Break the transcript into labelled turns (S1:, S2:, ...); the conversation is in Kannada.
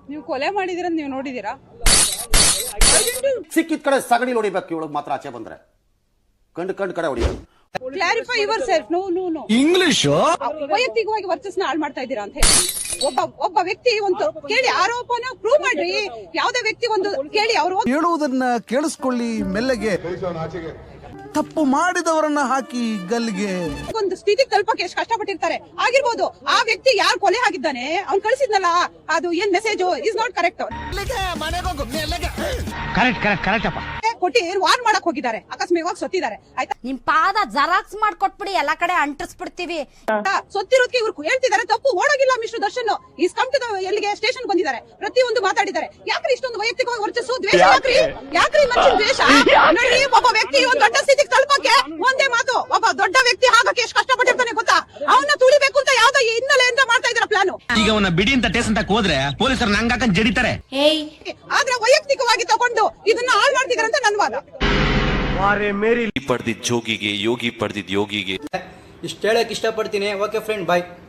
S1: ನೀವು ಕೊಲೆ ಮಾಡಿದಿರ ನೀವು ನೋಡಿದೀರಾ?
S2: ಸಿಕ್ಕಿದ ಕಡೆ ಸಗಣಿ ಹೊಡಿಬೇಕು, ಇವಳಿಗೆ ಮಾತ್ರ ಆಚೆ ಬಂದ್ರೆ ಕಂಡು ಕಡೆ ಹೊಡಿಯೋದು.
S1: Clarify yourself. No
S3: English
S1: ವೈಯಕ್ತಿಕವಾಗಿ ವರ್ಚಸ್ನ ಹಾಳು ಮಾಡ್ತಾ ಇದ್ದೀರಾ ಅಂತ ಹೇಳಿ. ಒಬ್ಬ ವ್ಯಕ್ತಿ ಒಂದು ಕೇಳಿ ಆರೋಪನ ಪ್ರೂವ್ ಮಾಡ್ರಿ. ಯಾವುದೇ ವ್ಯಕ್ತಿ ಒಂದು ಕೇಳಿ ಅವರು
S3: ಹೇಳುವುದನ್ನ ಕೇಳಿಸ್ಕೊಳ್ಳಿ ಮೆಲ್ಲಗೆ. ತಪ್ಪು ಮಾಡಿದವರನ್ನ ಹಾಕಿ ಗಲ್ಲಿಗೆ.
S1: ಒಂದು ಸ್ಥಿತಿಗೆ ತಲುಪಕ್ಕೆ ಎಷ್ಟು ಕಷ್ಟಪಟ್ಟಿರ್ತಾರೆ ಆಗಿರ್ಬೋದು. ಆ ವ್ಯಕ್ತಿ ಯಾರು ಕೊಲೆ ಆಗಿದ್ದಾನೆ ಅವ್ನು ಕಳಿಸಿದ್ನಲ್ಲ, ಅದು ಏನ್ message is not correct.
S3: Correct ಅಪ್ಪ.
S1: ಕೊಟ್ಟಿ ವಾರ್ನ್ ಮಾಡಕ್ ಹೋಗಿದ್ದಾರೆ, ಅಕಸ್ಮಾತ್ ಸೊತ್ತಿದ್ದಾರೆ. ಆಯ್ತಾ,
S4: ನಿಮ್ ಪಾದ ಜೆರಾಕ್ಸ್ ಮಾಡ್ಕೊಟ್ಬಿಡಿ, ಎಲ್ಲಾ ಕಡೆ ಅಂಟಿಸ್ಬಿಡ್ತೀವಿ.
S1: ಸೊತ್ತಿರೋದಕ್ಕೆ ಇವ್ರು ಹೇಳ್ತಿದ್ದಾರೆ ತಪ್ಪು. ಓಡೋಗಿಲ್ಲ mister Darshan. Is come to ಎಲ್ಲಿಗೆ ಸ್ಟೇಷನ್ ಬಂದಿದ್ದಾರೆ, ಪ್ರತಿಯೊಂದು ಮಾತಾಡಿದ್ದಾರೆ. ಯಾಕ್ರಿ ಇಷ್ಟೊಂದು ವೈಯಕ್ತಿಕವಾಗಿ ವರ್ಚಸ್ಸು ದ್ವೇಷ? ಯಾಕ್ರಿ ಮನುಷ್ಯನ ದ್ವೇಷ? ನೋಡಿ, ಒಬ್ಬ ವ್ಯಕ್ತಿ ಒಂದು ದೊಡ್ಡ ಸ್ಥಿತಿಗೆ ತಲುಪಕ್ಕೆ ಒಂದೇ ಮಾತು, ಒಬ್ಬ ದೊಡ್ಡ ವ್ಯಕ್ತಿ ಆಗಕ್ಕೆ ಎಷ್ಟು ಕಷ್ಟಪಟ್ಟಿರ್ತಾನೆ ಗೊತ್ತಾ? ಅವನ್ನ ತುಳಿಬೇಕು ಅಂತ ಯಾವ್ದೋ ಹಿನ್ನೆಲೆಯಿಂದ ಮಾಡ್ತಾ ಇದಾರೆ ಪ್ಲಾನು.
S5: ಈಗ ಅವನ ಬಿಡಿ ಅಂತ ಟೇಸ್ ಅಂತ ಹೋದ್ರೆ ಪೊಲೀಸರು ನಂಗಾಕಂಡ್ ಜಡಿತಾರೆ.
S1: ಆದ್ರೆ ವೈಯಕ್ತಿಕವಾಗಿ ತಗೊಂಡು ಇದನ್ನ ಹಾಳು ಮಾಡ್ತಿದಾರೆ ಅಂತ ನನ್ನ ವಾದ.
S6: ಪಡೆದಿದ್ದ ಜೋಗಿಗೆ ಯೋಗಿ ಪಡೆದಿದ್ದ ಯೋಗಿಗೆ
S7: ಇಷ್ಟ ಹೇಳಕ್ ಇಷ್ಟಪಡ್ತೀನಿ. ಓಕೆ ಫ್ರೆಂಡ್, ಬಾಯ್.